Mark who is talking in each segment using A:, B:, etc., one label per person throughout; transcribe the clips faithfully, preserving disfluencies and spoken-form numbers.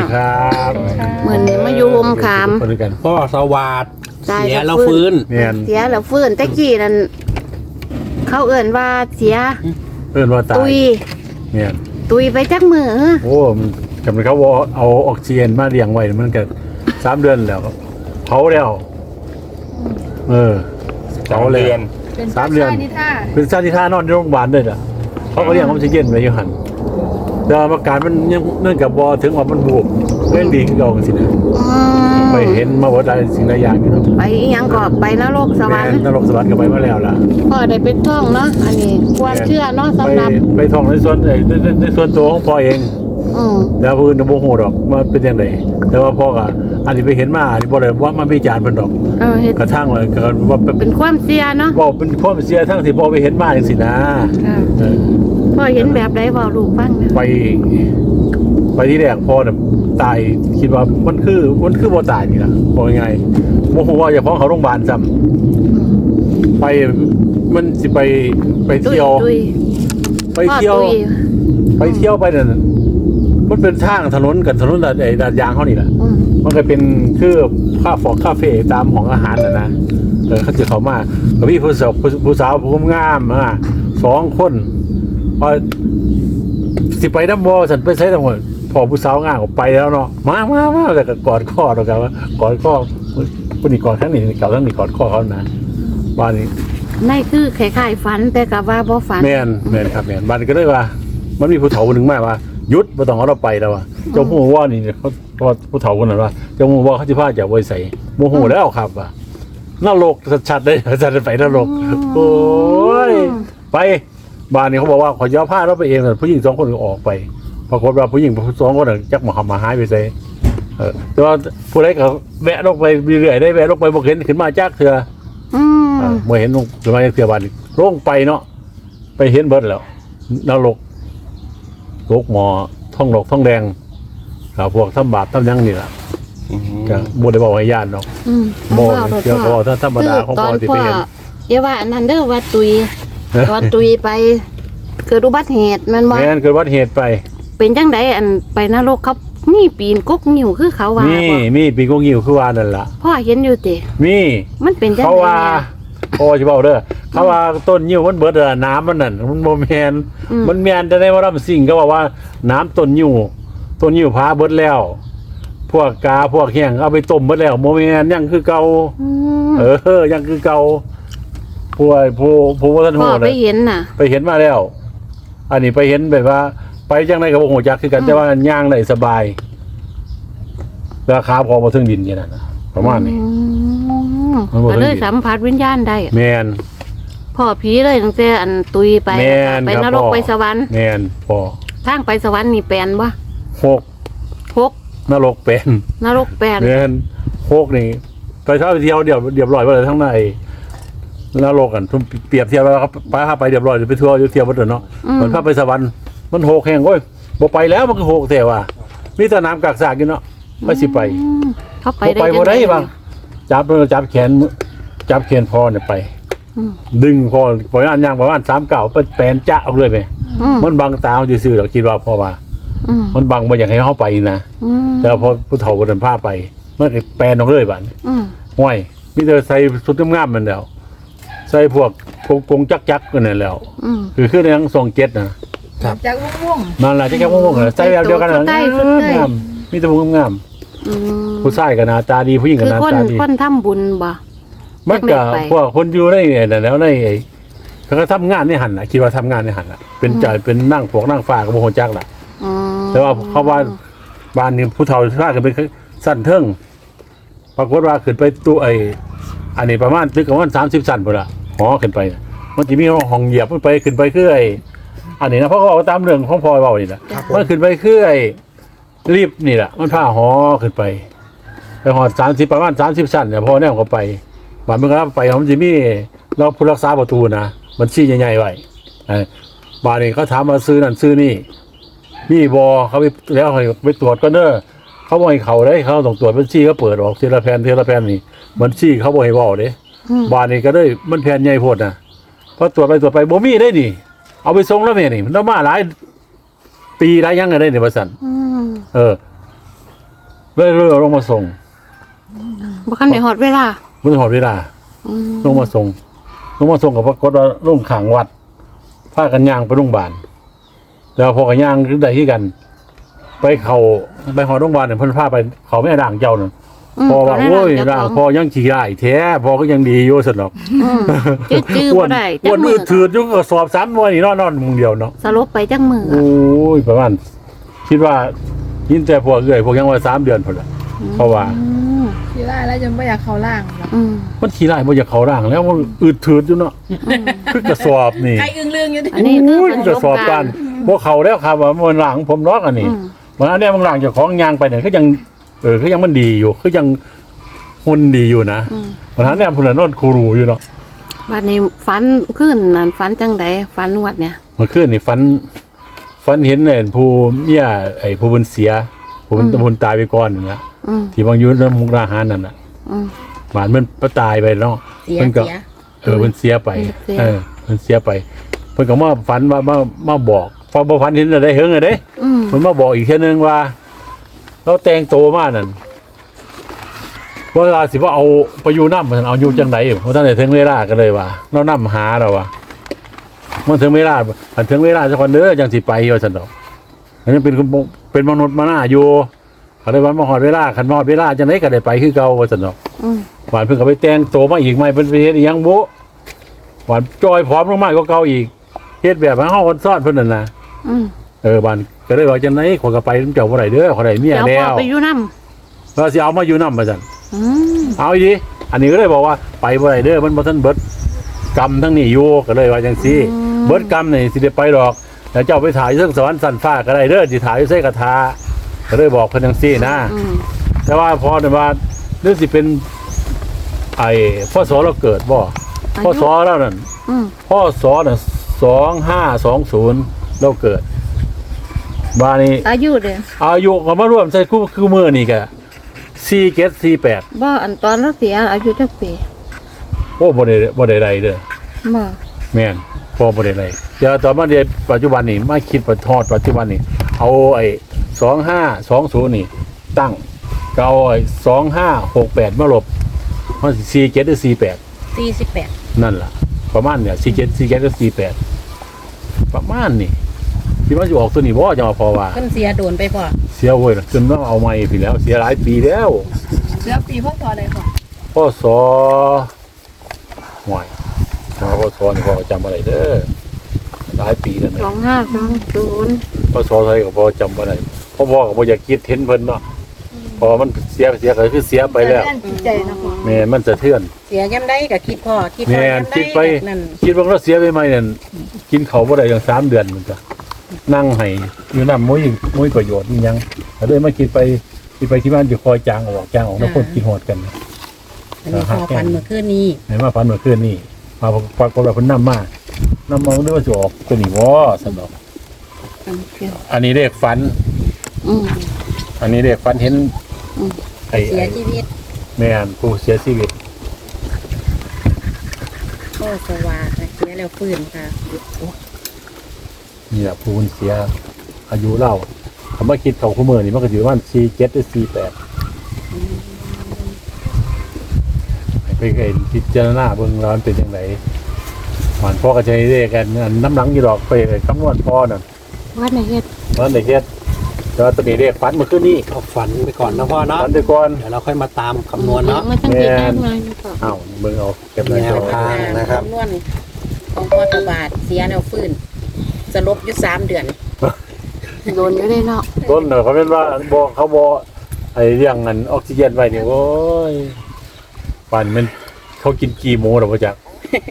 A: ครับ
B: เหมือนมาอยู่ห่มขาม
A: คนกัน
C: พ่อสวัสดเสียแล้วฟื้น
A: แม่น
B: เสียแล้วฟื้นตะกี้นั่นเขาเอิ่นว่าเสีย
A: เพิ่นว่าตาย
B: ตุย
A: แม่น
B: ตุยไปจักมือ
A: โอ้มันจำเป็นเขาว่าเอาออกซิเจนมาเลี้ยงไว้มันก็สามเดือนแล้วเผาแล้วเออเผาเลย
D: เป็น
A: สามเดือน
D: ชนิท่า
A: เป็นซาติท่านอนในโรงพยาบาลด้วยน่ะเขาก็เลี้ยงออกซิเจนไว้อยู่หั่นแต่อาการมันยังเนื่องกับบอถึงว่ามันบวมเล่นดีขึ้นเก่าสินะ
B: อืม
A: ไปเห็นมาว่าได้สิ่งใดอย่างอยู่เนาะ
B: ไปอีหยังก็ไปนรกสวรรค์
A: แม่นรกสวรรค์ก็ไปมาแล้วล่ะ
B: พ่อได้เป็นท่องเนาะอันนี้ความเชื่อเนาะ
A: ไป
B: สำหรับ
A: ไปท่องในส่วนในในในส่วนตัวของพ่อเอง
B: อืม
A: แต่ผู้อื่นบ่ฮู้ดอกว่าเป็นจังไดแต่ว่าพ่อก็อันนี้ไปเห็นมาอันนี้บ่ได้ว่ามาวิจารณ์เพิ่นดอก
B: เออเฮ็ด
A: กระทั่งเลยก็ว่าเป็น
B: เป็นความเชื่อเนาะ
A: ว่าเป็นความเสียทั้งที่พ่อไปเห็นมาจังซี่นะ
B: ค่ะ
A: เออ
B: พ่อเห็นแบบใดเว้าลูกฟังนะ
A: ไป ไปที่แรกพ่อน่ะตายคิดว่ามันคือมันคือบ่ตายนี่ล่ะบ่ยังไงบ่ฮู้ว่าเจ้าของเขาโรงพยาบาลซ้ำไปมันสิไปไป
B: ตุย
A: เที่ยว
B: ตุย
A: ไปเที่ยว
B: พ่อตุย
A: ไปเที่ยวไปนั่นมันเป็นทางถนนกับถนนไอ้ดาดยางเขานี่แหละ
B: อืม
A: มันก็เป็นคือค่าฟอกคาเฟ่ตามของอาหารน่ะนะเออเขาจะเขามากับพี่ผู้สาวผู้สาวผู้งามอ่ะสองคนพอสิไปน้ำบ่อฉันไปใช้ทั้งหมดพอผู้สาวงามออกไปแล้วเนาะมามามาแต่ก็กอดข้อเรากันว่ากอดข้อคนนี้กอดทั้งนี้เก่าทั้งนี้กอดข้อเขานะบ้านนี้
B: ในคือคล้ายๆฝันแต่ก็ว่าบ่ฝัน
A: แม่นแม่นครับแม่นบ้านนี้ก็เลยว่า มันมีผู้เฒ่าคนหนึ่งมาว่าหยุดบ่ต้องเอาเราไปแล้วว่าเจ้าผู้ว่านี่เขาว่าผู้เฒ่าคนนั้นว่าเจ้าผู้ว่าเขาสิพาจะไว้ใส่โมโหแล้วครับว่านรกชัดๆเลยจะไปนรกโอ้ยไปบ้านนี้เขาบอกว่าขอยอผ้าเราไปเองแต่ผู้หญิงสองคนก็ออกไปปรากฏว่าผู้หญิงสองคนน่ะจักมาหามาหายไปใส่เออแต่ว่าผู้ใดก็แวะลงไปเรื่อยๆได้แวะลงไปบ่เห็นขึ้นมาจักเถื่อ
B: อืม
A: อ่าบ่เห็นลงขึ้นมาจักเถื่อบ้านนี้ลงไปเนาะไปเห็นเบิดแล้วนรก โรคหมอท่องหลอกท่องแดงครับพวกทำบาปทำยังนี่แหละก็บ่ได้บอกให้ญาติเนาะ
B: อืม
A: บ่
B: พ่อ
A: เกี่ยวกับถ้าธรรมดาของ
B: ต
A: พ่
B: อ
A: อน ที่
B: พ่
A: ไป
B: อ
A: เห็น
B: อย่าว่าอันนั้นเด้อว่าตุยตอนตุยไปเกิดอุบัติเหตุแมันบ่
A: แม่นเกิดอุบัติเหตุไป
B: เป็นจังไดอันไปนรกเขามีปีนกกนิ้วคือเขาว่า
A: มี
B: บ่
A: มีปีกงหิวคือว่านั่นล่ะ
B: พ่อเห็นอยู่ติ
A: มี
B: มันเป็นจัง
A: เขา
B: ได
A: ว่า
B: เนี่ย
A: พ่อสิเว้าเด้อเขาว่าต้นยิ้วมันเบิดอะน้ำมันนั่นมันบ่แม่น
B: อืม
A: มันแม่นแต่ในว่าลำสิ่งก็บอกว่าน้ำต้นยิ้วต้นยิ้วพาเบิดแล้ว พวกกาพวกแห้งเอาไปต้มเบิดแล้วบ่แม่นยังคือเก่า
B: อืม
A: เออยังคือเก่าผู้ผู้ผู้ว่าท่าน
B: พ่
A: โห
B: อ
A: ด
B: ไปเห็นน่ะ
A: ไปเห็นมาแล้ว อันนี้ไปเห็นแบบว่า ไปจังไดกับโอ้โหจักคือกัน
B: อืม
A: แต่ว่าย่างได้สบายราคาพอมาถึงดินอย่างนั้นนะประมาณนี้
B: อืม
A: มันบ่
B: ก็เลย
A: เคยเห็น
B: สัมผัสวิญญาณได้
A: แมน
B: พ่อผีเลยตั้งแต่อันตุยไป
A: แม่น
B: ไป
A: ครับ
B: นรก
A: พ่อ
B: ไปสวรรค์
A: แมนพอ
B: ทางไปสวรรค์นี่แปลนบ่
A: หก
B: หก
A: นรกเป็น
B: นรกแปลน
A: แมนหกนี่ไปเท่าไปเที่ยวเดี๋ยวเดี๋ยวร้อยไปเลยทั้งในนรกกันทุ่มเปรียบเทียบแล้วครับไปพาไปเดี๋ยวร้อยไปทัวร์อยู่เที่ยวบัดเนาะ
B: อืม
A: มันพาไปสวรรค์มันหกแห่งโอ้ยบ่ไปแล้วมันคือหกแต่ว่ามีแต่น้ำกากสากอยู่เนาะไม่สิไป
B: อืมเขาไป
A: ไป
B: ได้
A: บ่ได้
B: จัง
A: บ้างจับจับแขนจับแขนพ่อเนี่ยไป
B: อืม
A: ดึงพ่อปล่อยอันย่างประมาณสามเก่าเป็นแปลนจะเอาเลยไป
B: อืม
A: มันบังตาเขาซื่อๆเราคิดว่าพ่อว่า
B: อืม
A: มันบังบ่อยากให้เขาไปนะ
B: อืม
A: แต่พอผู้เฒ่าคนนั้นพาไปมันก็แปลนออกเลยบัด
B: อืม
A: ห้วยมีแต่ใส่สุดงามๆมันแล้วใส่พวกกงกงจักจักๆกันนั่นแล้ว
B: อืม
A: คือคือในทั้งทรงเจ็ดนะ
D: จากม่วง
A: นั่นแหละที่แค่ม่วงๆน่ะใส่แบบเดียวกันน่ะ
B: ใส่สุดใต้
A: งามมีแต่พวกงาม
B: อืม
A: ผู้ชายก็หน้าตาดีผู้หญิงก็
B: คือ
A: หน้า
B: คน
A: ตาดี
B: คนทำบุญบ่
A: มันก็
B: ไม่ไป
A: พวกคนอยู่ในเนี่ยแล้วในไอ้เขาก็ทำงานในหันน่ะคิดว่าทำงานในหันน่ะเป็นจ่ายเป็นนั่งพวกนั่งฟ้าก็บ่ฮู้จักล่ะ
B: อืม
A: แต่ว่าเขาว่าบ้านนี้ผู้เฒ่าพากันไปสั้นเทิงปรากฏว่าขึ้นไปตู้ไอ้อันนี้ประมาณตึกประมาณสามสิบสั้นพุ่นล่ะหอขึ้นไปน่ะมันสิมีห้องเหยียบขึ้นไปขึ้นไปคือไอ้อันนี้นะเพราะเขาเอาตามเรื่องของพ่อเว้านี่ล่ะมันขึ้นไปคือไอ้ลิฟต์นี่ล่ะมันพาหอขึ้นไปไปหอดสามสิบประมาณสามสิบสั้นเนี่ยพอแนวเขาไปบ้านมันก็ไปมันสิมีเราผู้รักษาประตูนะมันชี้ใหญ่ๆไว้ไอ้บ้านนี้เขาถามมาซื้อนั่นซื้อนี่ มีบอเขาไปแล้วให้ไปตรวจก็เนอะเขาบอกให้เขาได้เขาต้องตรวจบัญชีก็เปิดออกทีละแผ่นทีละแผ่นนี่บัญชีเขาบอกให้บอกเด้
B: อืม
A: บ้านนี้ก็ได้มันแผ่นใหญ่โพดนะพอตรวจไปตรวจไปบ่มีได้นี่เอาไปส่งแล้วแม่นี่มันต้องมาหลายปีหลายอยังไงได้เนี่ยประสัน
B: อืม
A: เออเลยเลยเอาลงมาส่ง
B: บ่คันได้ฮอดเวลา
A: มันหอดเวลา
B: อืม
A: ลงมาส่งลงมาส่งกับปรากฏว่าลงขังวัดพากันย่างไปโรงพยาบาลแล้วพอกันย่างคือใดที่กัน ไปเขาไปหอดโรงพยาบาลเนี่ยเพิ่นพาไปเขาไม่ด่างเจ้าน่ะ
B: ม
A: พอว่า
B: เขได้
A: โอ้ย
B: เจ้
A: ด่าง
B: ข
A: พอยังขี่ได้แท้พอก็ยังดีอยู่สนอก
B: อืมจื้อจื้อ
A: อ้ว
B: บ่
A: น
B: ได้
A: อ้วน
B: จัก
A: มื
B: มื
A: อ
B: อ
A: ถือยุ่งก็สอบสามวันนี่นอนนอนมึงเดียวเนาะ
B: สลบไปจักมือ
A: โอ้ยประมาณคิดว่ายินแต่พวกเอื่อยพวกยังว่าสามเดือนพอละเพราะว่า
B: อืม
D: ทีแรกแล้วจะไม่อยากเข้าล่างหรอก
B: อืม
A: มันขี่ได้บ่อยากเขาร่างแล้วมันอืดถืดอยู่เนาะคือกระสอบนี่
D: ใครอึ้งเรื่องอยู่ดิ
B: อันนี้คือ
A: โอ้ย
B: ประ
A: กระ
B: ส
A: สอ
B: บบ กา
A: การ ร
B: ณ์
A: พวกเขาแล้วครับว่ามันหลังผมล็อกอันนี้
B: อืม
A: มันอันเนี้ยมันหลังเจากของยางไปเนี่ยก็ยังเออก็ยังมันดีอยู่ก็ยังหุ่นดีอยู่นะ
B: อืม
A: มันอันเนี้ยพุ่นนะนอนคูรูอยู่เนาะ
B: บัดนี้ฝันขึ้นนั่นฝันจังไดฝันวัดเนี่ย
A: เมื่อคืนนี่ฝันฝันเห็นเนี่ยผู้เมียไอ้ผู้บุญเสียผู้บุญ
B: อืม
A: บุญตายไปก่อนนั่นนะ
B: อืม
A: ที่บางอยุน้ำมุกดาหารนั่นน่ะ
B: อืม
A: หวานมันก็ตายไปเนาะ
D: เสีย
A: เพิ่นก็
D: เสีย
A: เออมันเสียไป
B: เสีย
A: เออมันเสียไป เพิ่นก็มาฝันว่ามามาบอกพอบ่ฝันเห็นอะไรเฮิงอะเด้
B: อืม
A: เพิ่นมาบอกอีกเทื่อนึงว่า เราแต่งโตมานั่นเวลาสิว่าเอาไปอยู่นำมันเอาอยู่จังได๋เพราะท่านได้ถึงเวลาก็เลยว่าเรานำหาเราว่ามันถึงเวลาอันถึงเวลาสักวันเด้อจังสิไปว่าซั่นดอกอันนี้เป็นคนเป็นมนุษย์มาหน้าอยู่เขาได้ว่ามาฮอดเวลาคันมาฮอดเวลาจังได๋ก็ได้ไปคือเก่าว่าซั่นดอก
B: อืม
A: หวานเพิ่งก็ไปแต่งโตมาอีกไหมเพิ่นไปเฮ็ดอีหยังบุหวานจอยพร้อมลงมากกว่าเก่าอีกเฮ็ดแบบให้เฮาคนซ่อนเพิ่นนั่นน่ะ
B: อืม
A: เออบ้านก็เลยว่าจังได๋ขอยก็ไปนำเจ้าบ่ได้เด้อขอยได้เมีย
B: เดี๋ยว
A: แล้
B: พ่อ
A: ว
B: ไปอยู่นำ
A: ว่าสิเอามาอยู่นำว่าซั่น
B: อืม
A: เอาอีดีอันนี้ก็เลยบอกว่าไปบ่ได้เด้อมันบ่ทันเบิดกรรมทั้งนี้อยู่ก็เลยว่าจังซี่เบิดกรรมนี่สิได้ไปดอกแล้วเจ้าไปถ่ายอยู่เทิงสวรรค์สันฟ้าก็ได้เด้อสิถ่ายอยู่ไสกระทาก็เลยบอกเพิ่นจังซี่นะ
B: อืม
A: แต่ว่าพอเนี่ยว่าเรื่องสิเป็น ไอ้พ่อสอเราเกิดบ่พ่อสอเรานั่น
B: อืม
A: พ่อสอน่ะสองห้าสองศูนย์เราเกิดบ้านนี้
B: อายุเด้อ
A: อายุก็มาร่วมใส่คู่คือมือนี่แกสี่เกตสี่แปด
B: บ่อันตอนเราเสียอายุจักปี
A: โอ้บ่ได้บ่ได้ไรเด้อ
B: บ่
A: แม่นพ่อบ่ได้ไรเดี๋ยวตอนมาเรียนปัจจุบันนี่มาคิดปัจทอดปัจจุบันนี่เอาไอ้สองห้าสองศูนย์นี่ ตั้งก็เอาไอ้สองห้าหกแปดมาลบมันสี่เกตหรือสี่แปด
D: สี่สิบแปด
A: นั่นล่ะ ประมาณเนี่ยสี่เจ็ดสี่เจ็ดก็สี่แปดประมาณนี่ที่ว่าจะออกตัวนี้บ่จะมาพอว่า
D: เพิ่นเสียโดนไปพอ
A: เสียเว้ยจนต้องเอาไม่พี่แล้ว เสียหลายปีแล้ว
D: เสียปีพ่อต่อเลยพอ
A: พ่อสอห่วยพ่อสอนี่พ่อจำอะไรเด้อหลายปีแล้ว
B: ส
A: นะ
B: องห้าสองศูนย์
A: พ่อสอไทยกับพ่อจำอะไรพ่อพ่อกับพ่ออยากคิดเห็นเพิ่นเนาะพอมันเสียเสียก็คือเสียไปแล้ว
D: เสียจิตใจนะพ่อ
A: แม่มันสะเทือน
D: เสียย่ำได้ก็คิดพ่อคิดพ่อ
A: แม่น
D: ย่ำ
A: คิ
D: ได้
A: ดไป
D: นั่น
A: คิดว่าเราเสียไปไหมเนี่ยกินเขาวบ่ได้อย่างสามเดือนเหมือนกันนั่งให้อยู่น้ำมุ้ยมุ้ยประโยชน์นี่ยังแต่เลยมาคิดไปคิดไปที่บ้านอยู่คอยจางออกจางออกแล้วคนกินหอดกัน
D: อันนี้พ่อฟันเมื่อคืนนี้
A: ไหนมาฟันเมื่อคืนนี่มาปรากฏว่าเพิ่นนำมาน้ำมาเรื่องว่าจะออกตัวนี้วะสนอก
B: อืมเกี่ยว
A: อันนี้เรียกฟัน
B: อืม
A: อันนี้เรียกฟันเห็น
B: อืม
A: ไอ้
D: เสีย
A: ไอ้
D: ชีวิต
A: แม่นผู้เสียชีวิต
D: พ่อสวาค่ะเสียแล้วฟื้นค่ะ
A: นี่แหละผู้คนเสียอายุเล่าคำว่าคิดเขาคู่มือนี่มันก็ถือว่าสี่เจ็ดหรือสี่แปดไปเห็นพิจารณาเบิ่งแล้วมันเป็นยังไงหวานพ่อก็ใช้เรียกกันอันน้ำหลังอยู่ดอกไปคำนวณพ่อน่ะ
B: วัดไหนเฮ็ด
A: มันได้เฮ็ดแต่ว่าตัวนี้เรียกฟันเมื่อคืนนี้
C: เอาฝันไปก่อนนะพ่อเนาะ
A: ฟันไปก่อน
C: เดี๋ยวเราค่อยมาตามคำนวณเนาะ
B: มาตั้งกี่ได้มานี่ก็
A: อ้าวเบิ่งเอาเก็บหน้าจอ
C: แนวทาง นะครับ
D: คำนวณของพ่อสวาเสียแล้วฟื้นสลบอยู่สามเดือน
B: โดนอยู่ได้เนาะ
A: ต้นเน่ะเขาเป็นว่าบอกเขาบอกไอ้เรื่องนั้นออกซิเจนไว้นี่โอ้ยป่านมันเขากินกี่โมหรอพ่อจัก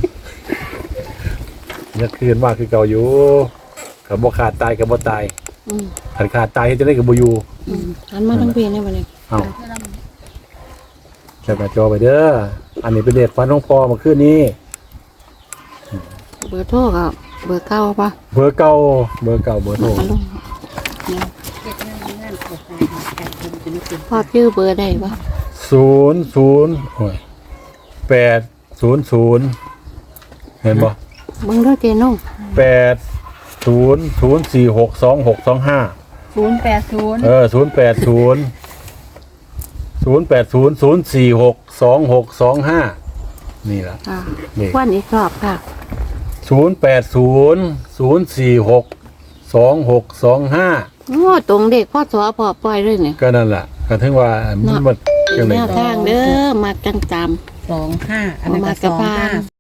A: เนี่ยคืนมากคือเก่าอยู่กับบ่ขาดตายกับบ่ตาย
B: อืม
A: ขันขาดตายจะได้กับบ่อยู่
B: อืมหันมาทั้งปีนี่บัดนี้
A: เอ้าแคปหน้าจอไปเด้ออันนี้เป็นเด็กฟันของพ่อเมาคืนนี้
B: เบอร์โทรก็เบอร์เก้าป่ะ
A: เบอร์เก่าเบอร์เก่าเบอร์โทร
B: มาลงเนี่ย
D: เฮ็ดงานงานขอทานการทำจะไม่เป็น
B: พ่อชื่อเบอร์ได้ป่ะ
A: ศูนย์ศูนย์โอ้ยแปดศูนย์ศูนย์เห็นบ่
B: เบิ่งด้วยเจนุ่ง
A: แปดศูนย์ศูนย์สี่หกสองหกสองห้า
D: ศูนย์แปดศูนย์
A: เออศูนย์แปดศูนย์ศูนย์แปดศูนย์ศูนย์สี่หกสองหกสองห้านี่ล่ะ
B: ค่ะ
A: นี่
B: วันอีกรอบค่ะ
A: ศูนย์แปดศูนย์ศูนย์สี่หกสองหกสองห้า
B: โอ้ตรงเด็กพ่อสอพอปล่อยเลยเนี่ย
A: ก็นั่นแหละก็ถึงว่ามันมัน
B: เป็
A: จั
B: น
A: งได
B: แนวทางเด้อมาจังจ
D: สองห้าอัน
B: ำ
D: นั้น
B: มา
D: ก็
B: ก
D: ส
B: ระ
D: อง
B: พา
D: ห้าน